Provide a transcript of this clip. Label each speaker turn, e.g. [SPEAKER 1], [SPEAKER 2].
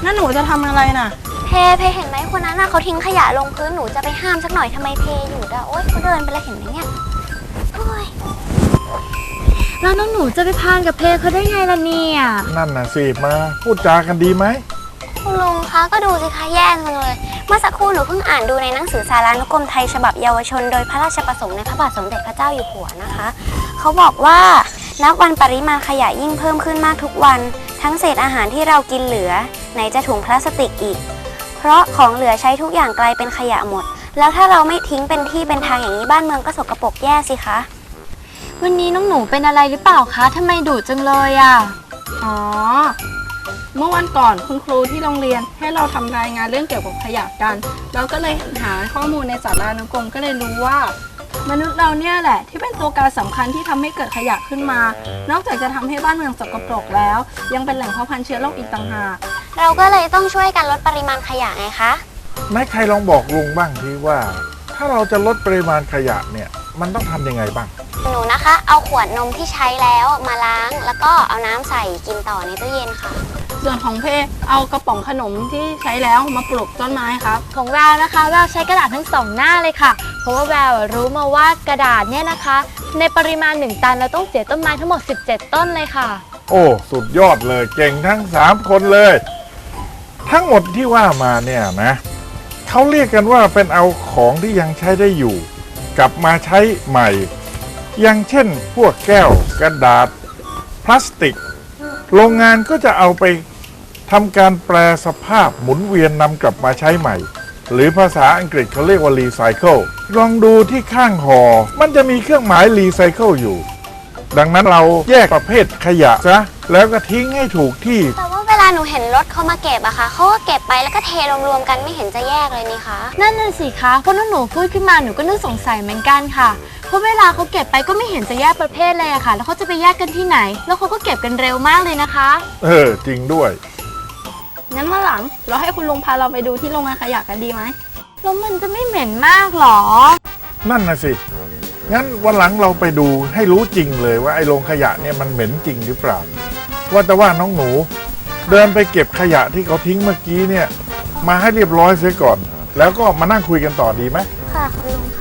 [SPEAKER 1] นั่นหนูจะทำอะไรน่ะ
[SPEAKER 2] เพเห็นไหมคนนั้นน่ะเขาทิ้งขยะลงพื้นหนูจะไปห้ามสักหน่อยทำไมเพหยุดอ่ะโอ๊ยเขาเดินไปแล้วเห็นไหมเนี่ยโอ๊ย
[SPEAKER 3] แล้วน้องหนูจะไปพานกับเพเขาได้ไงล่ะเนี่ย
[SPEAKER 4] นั่นน่ะสิมาพูดจากันดีไหม
[SPEAKER 2] คุณลุงคะก็ดูสิคะแย่จังเลยเมื่อสักครู่หนูเพิ่งอ่านดูในหนังสือสารานุกรมไทยฉบับเยาวชนโดยพระราชประสงค์ในพระบาทสมเด็จพระเจ้าอยู่หัวนะคะเขาบอกว่านับวันปริมาณขยะยิ่งเพิ่มขึ้นมากทุกวันทั้งเศษอาหารที่เรากินเหลือไหนจะถุงพลาสติกอีกเพราะของเหลือใช้ทุกอย่างกลายเป็นขยะหมดแล้วถ้าเราไม่ทิ้งเป็นที่เป็นทางอย่างนี้บ้านเมืองก็สกปรกแย่สิคะ
[SPEAKER 3] วันนี้น้องหนูเป็นอะไรหรือเปล่าคะทำไมดุจังเลยอ่ะ
[SPEAKER 1] อ๋อเมื่อวันก่อนคุณครูที่โรงเรียนให้เราทำรายงานเรื่องเกี่ยวกับขยะกันเราก็เลยหาข้อมูลในสารานุกรมก็เลยรู้ว่ามนุษย์เราเนี่ยแหละที่เป็นตัวการสำคัญที่ทำให้เกิดขยะขึ้นมานอกจากจะทำให้บ้านเมืองสกปรกแล้วยังเป็นแหล่งเพาะพันธุ์เชื้อโรคอีกต่างหาก
[SPEAKER 2] เราก็เลยต้องช่วยกันลดปริมาณขยะไงคะ
[SPEAKER 4] นายใครลองบอกลุงบ้างทีว่าถ้าเราจะลดปริมาณขยะเนี่ยมันต้องทำยังไงบ้าง
[SPEAKER 2] หนูนะคะเอาขวดนมที่ใช้แล้วมาล้างแล้วก็เอาน้ำใส่กินต่อในตู้เย็นค่ะ
[SPEAKER 1] ส่วนของเพเอากระป๋องขนมที่ใช้แล้วมาปลูกต้นไม้ครับ
[SPEAKER 3] ของแววนะคะแววใช้กระดาษทั้ง2หน้าเลยค่ะเพราะว่าแววรู้มาว่ากระดาษเนี่ยนะคะในปริมาณ1ตันเราต้องเสียต้นไม้ทั้งหมด17ต้นเลยค่ะ
[SPEAKER 4] โอ้สุดยอดเลยเก่งทั้ง3คนเลยทั้งหมดที่ว่ามาเนี่ยนะเขาเรียกกันว่าเป็นเอาของที่ยังใช้ได้อยู่กลับมาใช้ใหม่อย่างเช่นพวกแก้วกระดาษพลาสติกโรงงานก็จะเอาไปทำการแปลสภาพหมุนเวียนนำกลับมาใช้ใหม่หรือภาษาอังกฤษเขาเรียกว่ารีไซเคิลลองดูที่ข้างห่อมันจะมีเครื่องหมายรีไซเคิลอยู่ดังนั้นเราแยกประเภทขยะซะแล้วก็ทิ้งให้ถูกที่
[SPEAKER 2] แต่ว่าเวลาหนูเห็นรถเขามาเก็บอะค่ะเขาก็เก็บไปแล้วก็เทรวมๆกันไม่เห็นจะแยกเลยนี่คะ
[SPEAKER 3] นั่นน่ะสิคะเพราะน้องหนูพูดขึ้นมาหนูก็นึกสงสัยเหมือนกันค่ะเพราะเวลาเขาเก็บไปก็ไม่เห็นจะแยกประเภทเลยอะค่ะแล้วเขาจะไปแยกกันที่ไหนแล้วเขาก็เก็บกันเร็วมากเลยนะคะ
[SPEAKER 4] จริงด้วย
[SPEAKER 1] งั้นเมื่อหลังเราให้คุณลุงพาเราไปดูที่โรงงานขยะกันดีไหม
[SPEAKER 3] แล้วมันจะไม่เหม็นมากหรอ
[SPEAKER 4] นั่นน่ะสิงั้นวันหลังเราไปดูให้รู้จริงเลยว่าไอ้โรงขยะเนี่ยมันเหม็นจริงหรือเปล่าว่าแต่ว่าน้องหนูเดินไปเก็บขยะที่เขาทิ้งเมื่อกี้เนี่ยมาให้เรียบร้อยเสียก่อนแล้วก็มานั่งคุยกันต่อดีไหม
[SPEAKER 2] ค่ะคุณลุง